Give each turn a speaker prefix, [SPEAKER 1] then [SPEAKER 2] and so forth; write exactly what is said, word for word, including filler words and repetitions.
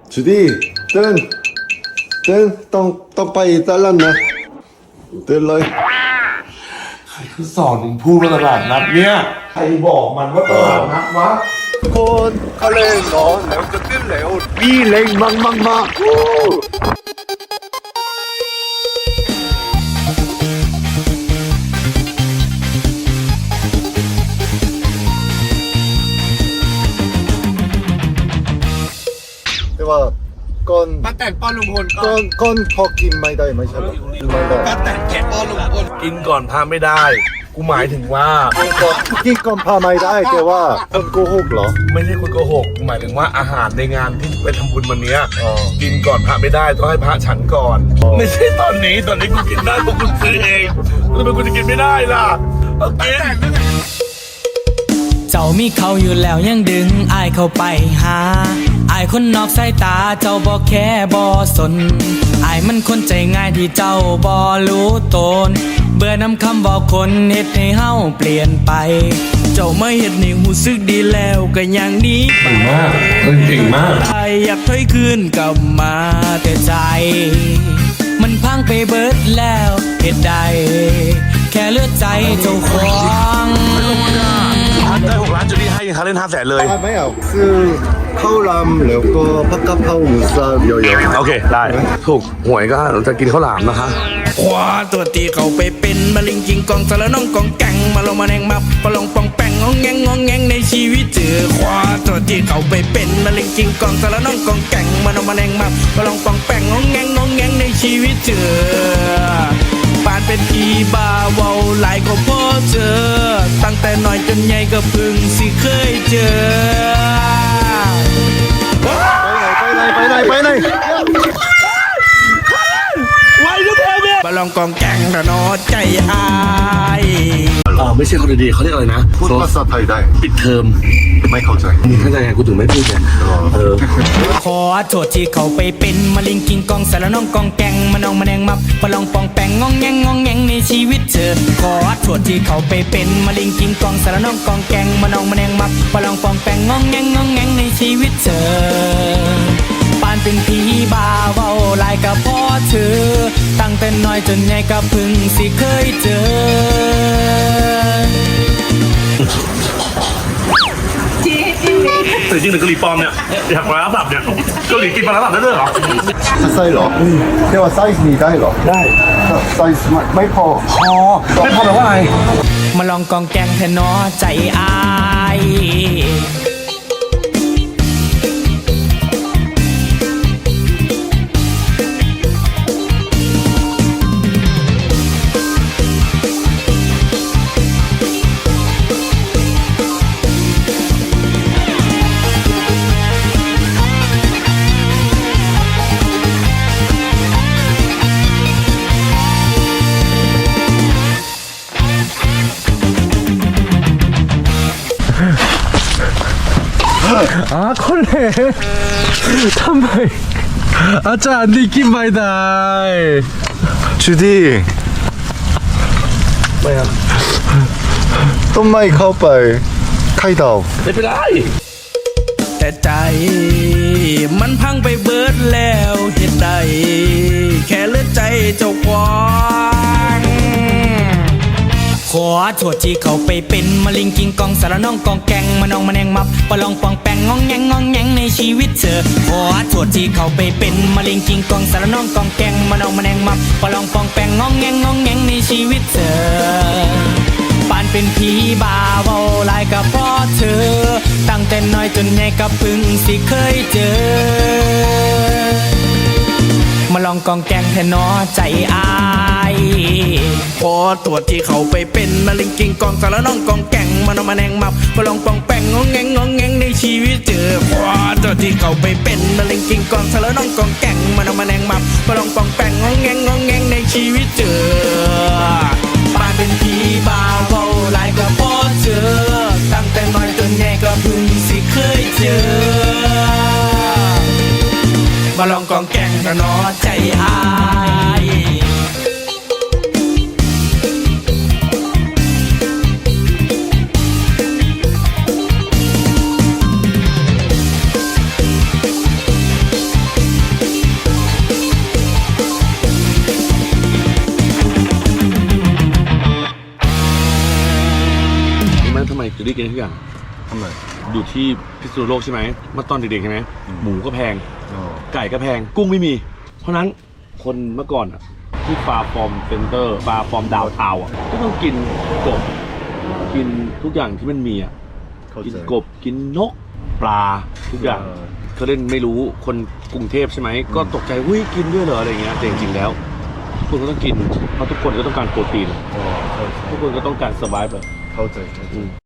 [SPEAKER 1] จูดี้ตื่นตื่นต้องต้องไปตลาดนะตื่นเลย
[SPEAKER 2] ใครเขาสอนมึงพูดว่าตลาดนัดเนี่ยใครบอกมันว่าตลาดนัดวะ
[SPEAKER 1] คนเขาเล่นนอนแล้วจะตื่นแล้วมีแรงมากมากมากแต่ว่าก่อน
[SPEAKER 3] ป้าแต่งป้อนลุงพล
[SPEAKER 1] ก่อนก่อนพอกินไม่ได้ไม่ใช่หรอไม่ได้
[SPEAKER 3] ป้าแต่งแกะป้อนลุงพล
[SPEAKER 2] กินก่อนพาไม่ได้กูหมายถึงว่า
[SPEAKER 1] กินก่อนพาไม่ได้แต่ว่าคนโกหกเหรอ
[SPEAKER 2] ไม่ใช่คนโกหกกูหมายถึงว่าอาหารในงานที่ไปทำบุญวันเนี้ย
[SPEAKER 1] อ๋อ
[SPEAKER 2] กินก่อนพระไม่ได้ต้องให้พระฉันก่อน
[SPEAKER 1] อ๋อ
[SPEAKER 2] ไม่ใช่ตอนนี้ตอนนี้กูกินได้เพราะกูซื้อเองทำไมกูจะกินไม่ได้ล่ะเอากิน
[SPEAKER 4] เจ้ามีเขาอยู่แล้วยังดึงอายเข้าไปหาอายคนนอกสายตาเจ้าบ่แค่บ่สนอายมันคนใจง่ายที่เจ้าบ่รู้ตนเบื่อนำคำบอกคนเฮ็ดให้เฮาเปลี่ยนไป เจ้าไม่เฮ็ดให้หูสึกดีแล้วก็อย่างนี้ไป
[SPEAKER 2] เก่งมากเก่งมาก
[SPEAKER 4] อายอยากถอยคืนกลับมาแต่ใจ มันพังไปเบิดแล้วเฮ็ดใดแค่เลือดใจเจ้าของ
[SPEAKER 2] ได้หกล้านจูดี้ให้เขาเล่นห้าแสนเลย
[SPEAKER 1] ไม่เอาคือข้าวรำแล้วก็ผักกะเพราหมูสับเยอะๆ
[SPEAKER 2] โอเคได้ถูกหวยก็จะกินข้าวหลามนะคะ
[SPEAKER 4] ขวาตัวตีเขาไปเป็นมาลิงกิงกองสารน้องกองแกงมาลงมาแนงมาปลองปองแปงงองแงงงองแงงในชีวิตเจอขวาตัวตีเขาไปเป็นมาลิงกิงกองสารน้องกองแกงมาลงมาแนงมาปลองปองแปงงองแงงงองแงงในชีวิตเจอปานเป็นผีบ้าเว้าหลายก็พอเจอตั้งแต่น้อยจนใหญ่ก็เพิ่งสิเคยเจอ
[SPEAKER 1] ไปไหนไปไหนไปไหน
[SPEAKER 2] ไว้ทุกคนเนี่ย
[SPEAKER 4] บอลองกองแกงระนอใจอาย
[SPEAKER 2] อ่าไม่ใช่คนดีๆเขาเรียกอะไรนะ
[SPEAKER 1] พูดภาษาไทยได้
[SPEAKER 2] ปิดเทอม
[SPEAKER 1] ไม่เข้าใจ
[SPEAKER 2] มึงเข้าใจไงกูถึงไม่พูดไงเออ
[SPEAKER 4] ขอโทษที่เขาไปเป็นมาลิงกิงกองสารน้องกองแกงมาน้องมาแนงมับปลองปองแปงงองแงงงองแงงในชีวิตเธอขอโทษที่เขาไปเป็นมาลิงกิงกองสารน้องกองแกงมาน้องมาแนงมับปลองปองแปงงองแงงงองแงงในชีวิตเธอปานเป็นผีบ้าเว้าลายกับพ่อเธอตั้งแต่น้อยจนใหญ่ก็เพิ่งสิเคยเจอ
[SPEAKER 2] แต่จริงหรือเกาหลีปลอมเนี่ยอยากมารับแบบเนี่ยเกาหลีกินมารับแบบได้ด้วยเหรอ
[SPEAKER 1] ไส้เหรอแต่ว่าไส้มีได้เหรอได้ไส้ไม่พอ
[SPEAKER 2] พอไม่พอแปลว่าอะไร
[SPEAKER 4] มาลองกองแกงแทนนอใจอาย
[SPEAKER 5] 아 콜레 탐바이 아짜 안디킨 바이다이
[SPEAKER 1] 주디
[SPEAKER 2] ไม่ครับ
[SPEAKER 1] ต้นไม้เข้าไปไข่ดาว
[SPEAKER 2] ไม่เป็นไร
[SPEAKER 4] แต่ใจมันพังไปเบิดแล้วเหตุใดแค่เลือดใจเจ้าควางขอโทษที่เขาไปเป็นมาลิงกิงกองสารน้องกองแกงมาน้องมาแนงมับปลองปองแปงงองแงงงองแงงในชีวิตเธอขอโทษที่เขาไปเป็นมาลิงกิงกองสารน้องกองแกงมาน้องมาแนงมับปลองปองแปงงองแงงงองแงงในชีวิตเธอปานเป็นผีบ้าเว้าลายกับพ่อเธอตั้งแต่น้อยจนใหญ่ก็เพิ่งสิเคยเจอมาลองกองแกงแทนนอใจอายพอตัวที่เขาไปเป็นมาลิงกิงกองสารน้องกองแกงมาน้องมาแนงมับปลองปองแปงงองแงงงองแงงในชีวิตเจอพอตัวที่เขาไปเป็นมาลิงกิงกองสารน้องกองแกงมาน้องมาแนงมับปลองปองแปงงองแงงงองแงงในชีวิตเจอปานเป็นผีบ้าเว้าหลายก็พอเจอตั้งแต่น้อยจนใหญ่ก็เพิ่งสิเคยเจอมาลองกองแกงระนอใจอาย
[SPEAKER 2] ที่กินทุกอย่าง
[SPEAKER 1] ทำไม
[SPEAKER 2] อยู่ที่พิษณุโลกใช่ไหมเมื่อตอนเด็กๆใช่ไหมหมูก็แพง
[SPEAKER 1] อ๋อ
[SPEAKER 2] ไก่ก็แพงกุ้งไม่มี เพราะฉะนั้นคนเมื่อก่อนอะที่ฟาร์ฟอร์มเซ็นเตอร์ฟาร์ฟอร์มดาวทาวน์อะก็ต้องกินกบกินทุกอย่างที่มันมีอะ
[SPEAKER 1] เข้า
[SPEAKER 2] กิน
[SPEAKER 1] ใจ
[SPEAKER 2] กบกินนกปลาทุกอย่าง
[SPEAKER 1] เออ
[SPEAKER 2] เขาเล่นไม่รู้คนกรุงเทพใช่ไหมก็ตกใจหุ้ยกินด้วยเหรออะไรเงี้ยแต่จริงๆแล้วทุกคนก็ต้องกินเพราะทุกคนก็ต้องการโปรตีน
[SPEAKER 1] อ๋อเข้าใจ
[SPEAKER 2] ทุกคนก็ต้องการสบายแบบ
[SPEAKER 1] เข้าใจเข้าใจ
[SPEAKER 2] อืม